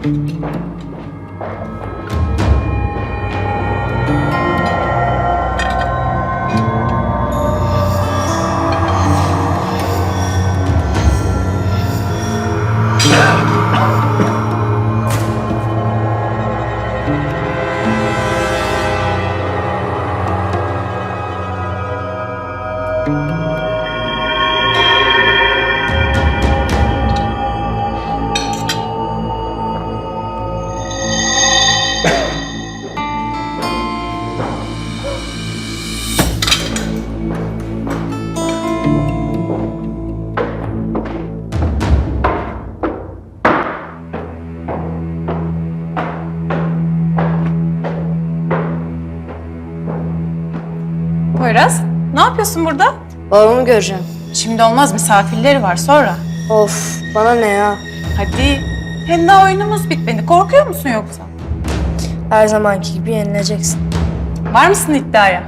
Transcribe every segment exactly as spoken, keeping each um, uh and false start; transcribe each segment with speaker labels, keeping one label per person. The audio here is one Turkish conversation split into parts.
Speaker 1: Poyraz, ne yapıyorsun burada?
Speaker 2: Babamı göreceğim.
Speaker 1: Şimdi olmaz, misafirleri var sonra.
Speaker 2: Of, bana ne ya?
Speaker 1: Hadi. Hem daha oyunumuz bitmedi. Korkuyor musun yoksa?
Speaker 2: Her zamanki gibi yenileceksin.
Speaker 1: Var mısın iddiaya?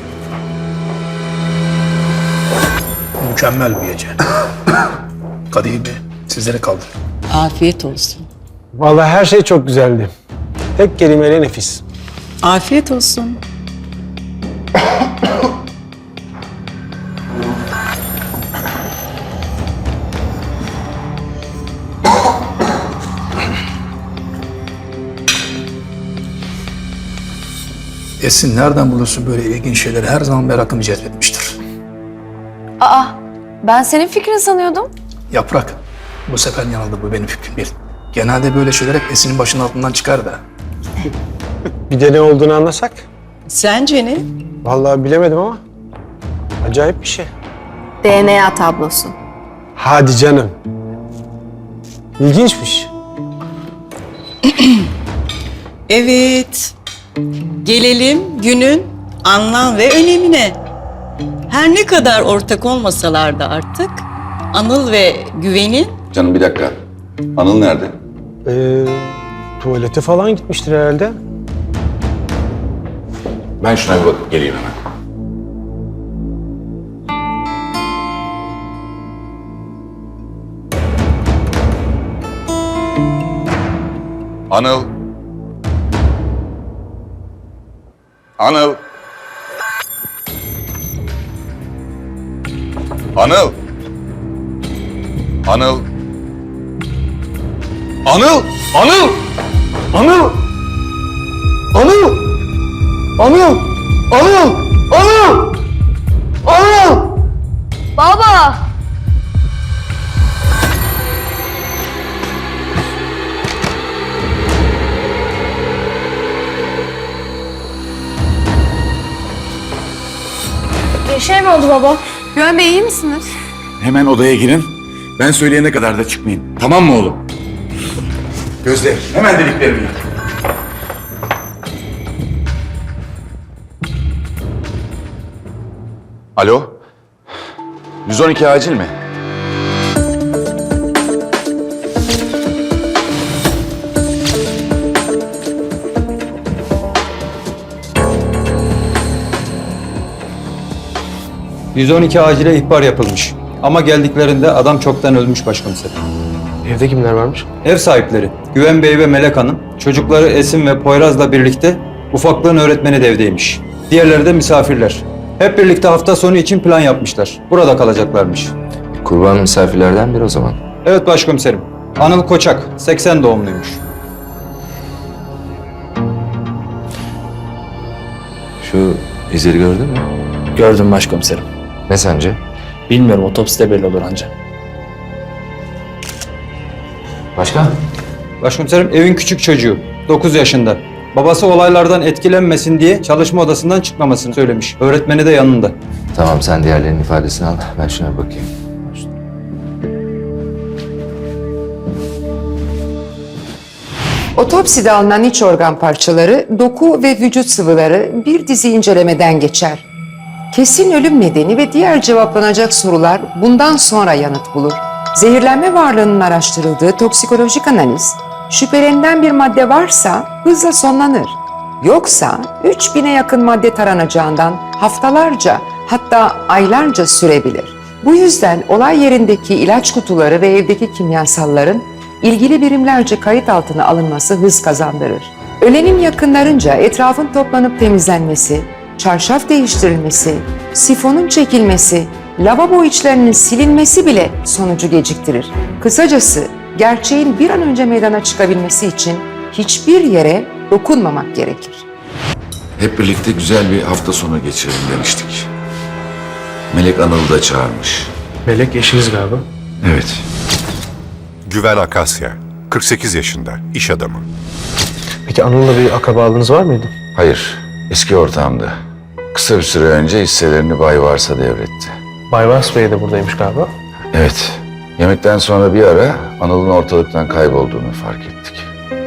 Speaker 3: Mükemmel bir gece. Kadehimi sizlere kaldır.
Speaker 4: Afiyet olsun.
Speaker 5: Vallahi her şey çok güzeldi. Tek kelimeyle nefis.
Speaker 4: Afiyet olsun.
Speaker 3: Esin nereden buluyorsun böyle ilginç şeyleri? Her zaman merakımı cezbetmiştir.
Speaker 2: Aa, ben senin fikrin sanıyordum.
Speaker 3: Yaprak, bu sefer yanıldı, bu benim fikrim değil. Genelde böyle şeyler hep Esin'in başının altından çıkar da.
Speaker 5: Bir de ne olduğunu anlasak?
Speaker 4: Sence ne?
Speaker 5: Vallahi bilemedim ama acayip bir şey.
Speaker 2: D N A tablosu.
Speaker 5: Hadi canım. İlginçmiş.
Speaker 4: Evet. Gelelim günün anlam ve önemine. Her ne kadar ortak olmasalar da artık Anıl ve Güven'in...
Speaker 6: Canım bir dakika. Anıl nerede?
Speaker 5: Ee, tuvalete falan gitmiştir herhalde.
Speaker 6: Ben şuna bir bakıp geleyim hemen. Anıl. Anıl. Anıl. Anıl. Anıl. Anıl.
Speaker 5: Anıl! Anıl! Anıl! Anıl! Anıl! Anıl!
Speaker 2: Baba! Bir şey mi oldu baba?
Speaker 1: Güven Bey iyi misiniz?
Speaker 6: Hemen odaya girin. Ben söyleyene kadar da çıkmayın. Tamam mı oğlum? Gözde, hemen deliklerimi yap. Alo? yüz on iki acil mi?
Speaker 7: yüz on iki acile ihbar yapılmış. Ama geldiklerinde adam çoktan ölmüş başkomiserim.
Speaker 5: Evde kimler varmış?
Speaker 7: Ev sahipleri Güven Bey ve Melek Hanım, çocukları Esin ve Poyraz'la birlikte ufaklığın öğretmeni de evdeymiş. Diğerleri de misafirler. Hep birlikte hafta sonu için plan yapmışlar. Burada kalacaklarmış.
Speaker 8: Kurban misafirlerden biri o zaman.
Speaker 7: Evet başkomiserim. Anıl Koçak, seksen doğumluymuş.
Speaker 8: Şu izleri gördün mü?
Speaker 9: Gördüm başkomiserim.
Speaker 8: Ne sence?
Speaker 9: Bilmiyorum, otopside belli olur anca.
Speaker 8: Başka?
Speaker 7: Başkomiserim evin küçük çocuğu, dokuz yaşında. Babası olaylardan etkilenmesin diye çalışma odasından çıkmamasını söylemiş. Öğretmeni de yanında.
Speaker 8: Tamam, sen diğerlerinin ifadesini al. Ben şuna bir bakayım.
Speaker 10: Otopside alınan iç organ parçaları, doku ve vücut sıvıları bir dizi incelemeden geçer. Kesin ölüm nedeni ve diğer cevaplanacak sorular bundan sonra yanıt bulur. Zehirlenme varlığının araştırıldığı toksikolojik analiz, şüphelenilen bir madde varsa hızla sonlanır. Yoksa üç bine yakın madde taranacağından haftalarca hatta aylarca sürebilir. Bu yüzden olay yerindeki ilaç kutuları ve evdeki kimyasalların ilgili birimlerce kayıt altına alınması hız kazandırır. Ölenin yakınlarınca etrafın toplanıp temizlenmesi, çarşaf değiştirilmesi, sifonun çekilmesi, lavabo içlerinin silinmesi bile sonucu geciktirir. Kısacası gerçeğin bir an önce meydana çıkabilmesi için hiçbir yere dokunmamak gerekir.
Speaker 6: Hep birlikte güzel bir hafta sonu geçirelim demiştik. Melek Anıl'ı da çağırmış.
Speaker 5: Melek eşiniz galiba.
Speaker 6: Evet.
Speaker 11: Güven Akasya, kırk sekiz yaşında, iş adamı.
Speaker 5: Peki Anıl'la bir akrabalığınız var mıydı?
Speaker 6: Hayır, eski ortağımdı. Kısa bir süre önce hisselerini Bay Vars'a devretti.
Speaker 5: Bay Vars Bey de buradaymış galiba.
Speaker 6: Evet, yemekten sonra bir ara Anıl'ın ortalıktan kaybolduğunu fark ettik.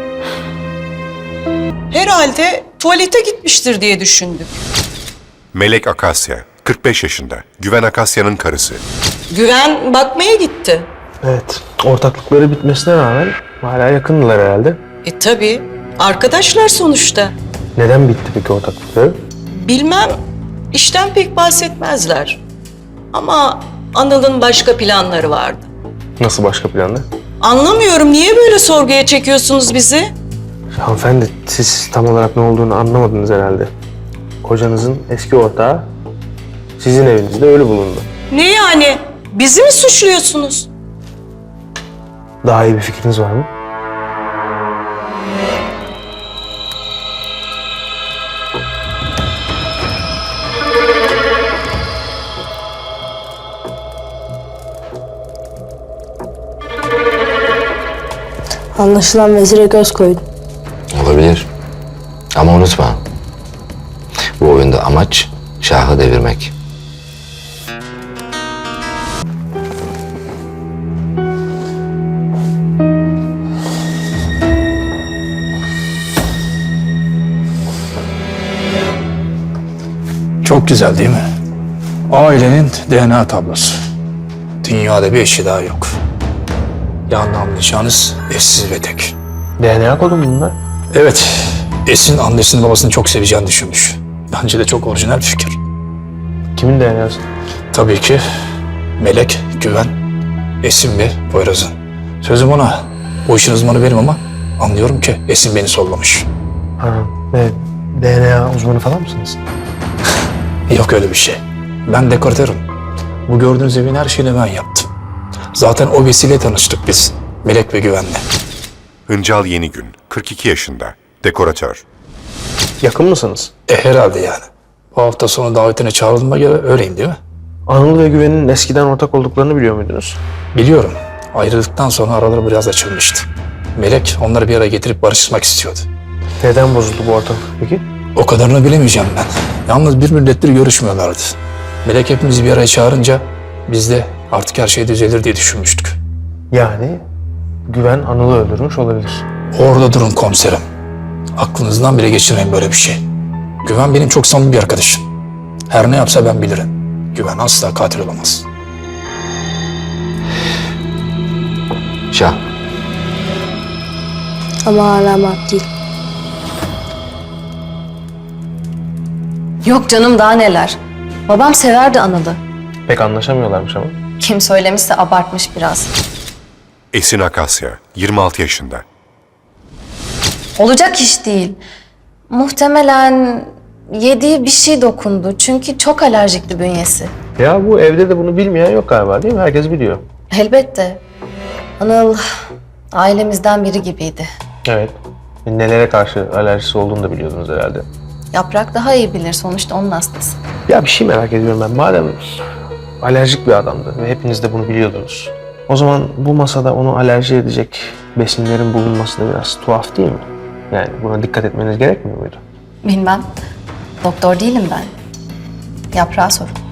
Speaker 4: Herhalde tuvalete gitmiştir diye düşündük.
Speaker 11: Melek Akasya, kırk beş yaşında, Güven Akasya'nın karısı.
Speaker 4: Güven bakmaya gitti.
Speaker 5: Evet. Ortaklıkları bitmesine rağmen hala yakındılar herhalde.
Speaker 4: E tabii, arkadaşlar sonuçta.
Speaker 5: Neden bitti peki ortaklıkları?
Speaker 4: Bilmem, işten pek bahsetmezler. Ama Anıl'ın başka planları vardı.
Speaker 5: Nasıl başka planlar?
Speaker 4: Anlamıyorum, niye böyle sorguya çekiyorsunuz bizi?
Speaker 5: Hanımefendi siz tam olarak ne olduğunu anlamadınız herhalde. Kocanızın eski ortağı sizin evinizde ölü bulundu.
Speaker 4: Ne yani? Bizi mi suçluyorsunuz?
Speaker 5: Daha iyi bir fikriniz var mı?
Speaker 2: Anlaşılan vezire göz koydum.
Speaker 8: Olabilir. Ama unutma. Bu oyunda amaç şahı devirmek.
Speaker 3: Çok güzel değil mi? Ailenin D N A tablosu. Dünyada bir eşi daha yok. Yani anlayacağınız eşsiz ve tek.
Speaker 5: D N A kodu mu bunlar?
Speaker 3: Evet, Esin annesini babasını çok seveceğini düşünmüş. Bence de çok orijinal bir fikir.
Speaker 5: Kimin D N A'sı?
Speaker 3: Tabii ki Melek, Güven, Esin ve Poyraz'ın. Sözüm ona, bu işin uzmanı benim ama anlıyorum ki Esin beni sollamış.
Speaker 5: Ha, evet. D N A uzmanı falan mısınız?
Speaker 3: Yok öyle bir şey. Ben dekoratörüm. Bu gördüğünüz evin her şeyini ben yaptım. Zaten o vesileyle tanıştık biz. Melek ve Güven'le.
Speaker 11: Hıncal Yenigün, kırk iki yaşında, dekoratör.
Speaker 5: Yakın mısınız?
Speaker 3: E herhalde yani. Bu hafta sonu davetine çağrıldığıma göre öyleyim değil mi?
Speaker 5: Anıl ve Güven'in eskiden ortak olduklarını biliyor muydunuz?
Speaker 3: Biliyorum. Ayrıldıktan sonra araları biraz açılmıştı. Melek onları bir araya getirip barışmak istiyordu.
Speaker 5: Neden bozuldu bu ortaklık peki?
Speaker 3: O kadarını bilemeyeceğim ben. Yalnız bir müddettir görüşmüyorlardı. Melek hepimizi bir araya çağırınca biz de artık her şey düzelir diye düşünmüştük.
Speaker 5: Yani Güven Anıl'ı öldürmüş olabilir.
Speaker 3: Orada durun komiserim. Aklınızdan bile geçirmeyin böyle bir şey. Güven benim çok samimi bir arkadaşım. Her ne yapsa ben bilirim. Güven asla katil olamaz.
Speaker 8: Şah.
Speaker 2: Ama alamat değil. Yok canım daha neler. Babam severdi Anıl'ı.
Speaker 5: Pek anlaşamıyorlarmış ama.
Speaker 2: Kim söylemişse abartmış biraz.
Speaker 11: Esin Akasya, yirmi altı yaşında.
Speaker 2: Olacak iş değil. Muhtemelen yediği bir şey dokundu. Çünkü çok alerjikti bünyesi.
Speaker 5: Ya bu evde de bunu bilmeyen yok galiba değil mi? Herkes biliyor.
Speaker 2: Elbette. Anıl ailemizden biri gibiydi.
Speaker 5: Evet. Nelere karşı alerjisi olduğunu da biliyordunuz herhalde.
Speaker 2: Yaprak daha iyi bilir. Sonuçta onun hastası.
Speaker 5: Ya bir şey merak ediyorum ben. Madem alerjik bir adamdı ve hepiniz de bunu biliyordunuz. O zaman bu masada onu alerji edecek besinlerin bulunması da biraz tuhaf değil mi? Yani buna dikkat etmeniz gerekmiyor muydu?
Speaker 2: Bilmem. Doktor değilim ben. Yaprağa sor.